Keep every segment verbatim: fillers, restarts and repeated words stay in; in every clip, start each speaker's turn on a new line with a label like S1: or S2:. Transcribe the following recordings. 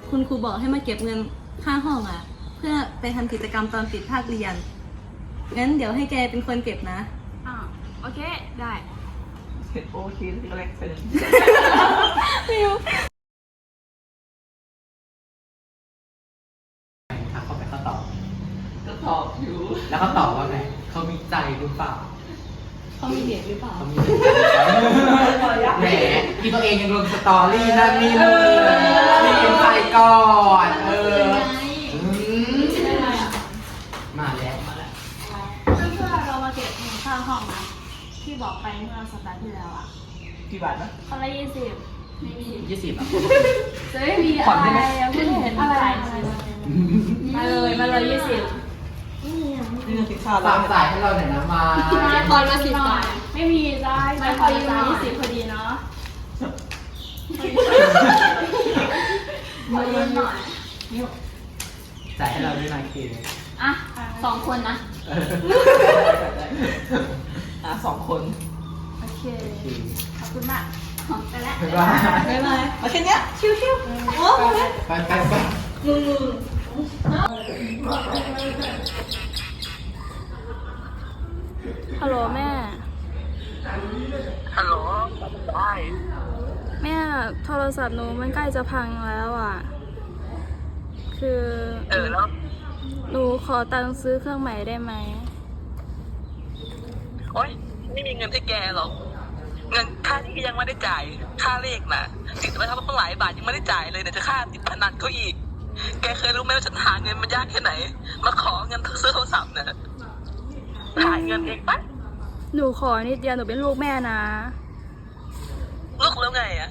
S1: คุณครูบอกให้มาเก็บเงินค่าห้องอ่ะ เพื่อไปทำกิจกรรมตอนปิดภาคเรียน งั้นเดี๋ยวให้แกเป็นคนเก็บนะ
S2: อ่าโอเค ได้
S3: เห็นโอเคที่แรกเป็น
S1: มิว
S4: ถามเขาไปเขาตอบ
S3: ก็ตอบอยู่
S4: แล้วเขาตอบว่าไงเขามีใจหรือเปล่า
S1: เขามีเด็กหรือเปล่า
S4: เขามีแหมที่ตัวเองยังลงสตอรี่นั่นนี่เลยนี่เป็นใจก่อนเอออืมมาแล้วมาแล้ว
S2: เพื่อนๆเรามาเก็บเงินค่าห้องนะที่บอกไปเมื่อสัปดาห์ที่แล้วอ่ะ
S3: กี่บาทนะ
S2: คนละยี่สิบไม่มี
S4: ยี่สิบอ่ะ
S2: จะไม่มีอะไรยังไม่เห็นอะไรมาเลยมาเลยยี่สิบ
S3: นี่เงินติดค่า
S4: ฝากจ่ายให้เราหน่อยนะมา
S2: คอนละสิบบาทไม่มีจ้าไม่พอดีจ้ายี่สิบพอดีเนาะมาเยอะหน่อย
S4: จ่ายให้เราด้วยนะคิว
S2: อ่ะสองคนนะ
S3: อ่ะสองคน
S2: โอเคขอบคุณมากไปแล้ว
S4: บ๊ายบาย
S1: บ๊ายบาย
S3: มาแค่เนี้ยชิวๆโอ้โห
S4: ไปไปไป
S1: มึงมึง
S2: ฮัลโหลแม่
S3: ฮัลโหลได้
S2: แม่โทรศัพท์หนูมันใกล้จะพังแล้วอ่ะ คือ
S3: เออแล้ว
S2: หนูขอตังค์ซื้อเครื่องใหม่ได้ไหม
S5: โอ๊ยไม่มีเงินให้แกหรอก เงินค่าที่ยังไม่ได้จ่าย ค่าเลขน่ะติดไปทำมาหลายบาทยังไม่ได้จ่ายเลยเนี่ยจะค่าติดพนันเขาอีก แกเคยรู้ไหมว่าฉันหาเงินมันยากแค่ไหน มาขอเงินซื้อโทรศัพท์เนี่ยหาเงินเองปะ
S2: หนูขอนิดเดียวหนูเป็นลูกแม่นะ
S5: ลูกแล้วไงอะ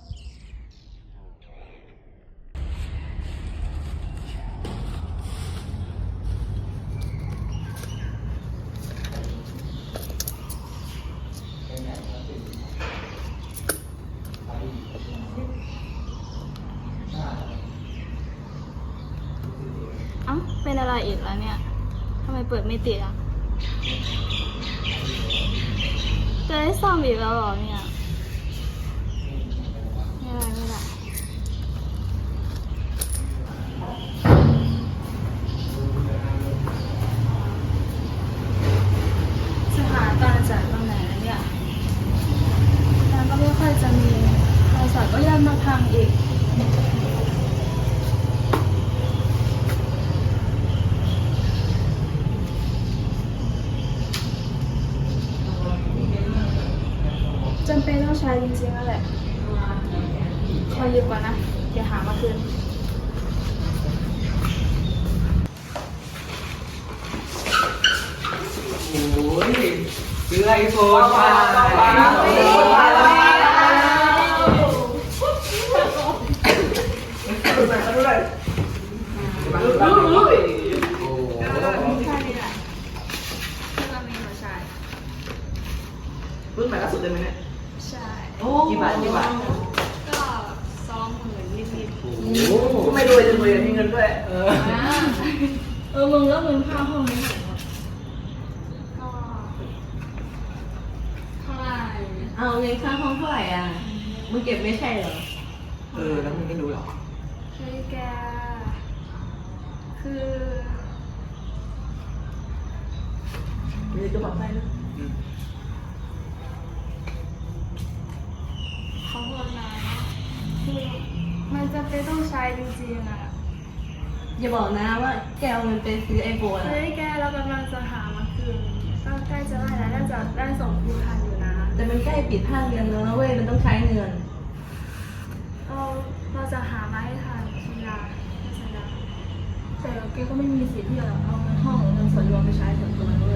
S2: เอ้าเป็นอะไรอีกแล้วเนี่ยทำไมเปิดไม่ติดอ่ะ จะได้ซ่อมอีกแล้วเหรอเนี่ย ไม่ได้ไม่ได้ สถานการณ์จากตรงไหนแล้วเนี่ยงานก็ไม่ค่อยจะมีโทรศัพท์ก็ย่ำมาพังอีก จำเป็นต้องใช้จริงๆแล้วแหละขอยืมก่อนนะ เดี๋ยวหามาคืน
S4: โอ้ยซื้อไอโฟนมา
S3: ดูหน่อยดูหน่อย
S4: โอ้
S2: ใช่นี่แหละที่เรามีหัวชาย
S3: รุ่นใหม่ล่าสุดเลยไหมเนี่ย
S2: ใช่
S3: กี่บาทกี่บาท
S2: ก็สองหมื่นนิด
S4: โห
S3: กูไม่รวยจะรวยมีเงินด้วย
S4: เออ
S2: ๆอ่าเออมึงแล้วมึงค่าห้องนี้เท่าไหร่ก็เท่าไหร่
S1: เอาเงินค่าห้องเท่าไหร่อ่ะ มึงเก็บไม่ใช่เหรอ
S4: เออแล้วมึงไม่รู้หรอ
S2: เฮ้ยแก คือ
S3: มีจะบอกให้นะ
S4: อืม
S2: ขอโทษนะคือมันจะเป็นต้องใช้จริงๆอ่ะ
S1: อย่าบอกนะว่าแกเอาเงินไปซื้อไอโฟนอ่ะ
S2: เฮ้ยแกเรากำลังจะหามาคืนก็ใกล้จะได้แล้วน่าจะได้ส่งคืนทันอยู่นะ
S1: แต่มันใกล้ปิดภาคเรียนแล้วนะเว้ย มันต้องใช้เงิน
S2: เราเราจะหามาให้ทันสัญญาสัญญาแต่แกก็ไม่มีสิทธิ์ที่จะเอาเงินห้องหรือเงินส่วนรวมไปใช้ส่วนตัวนะเว้ย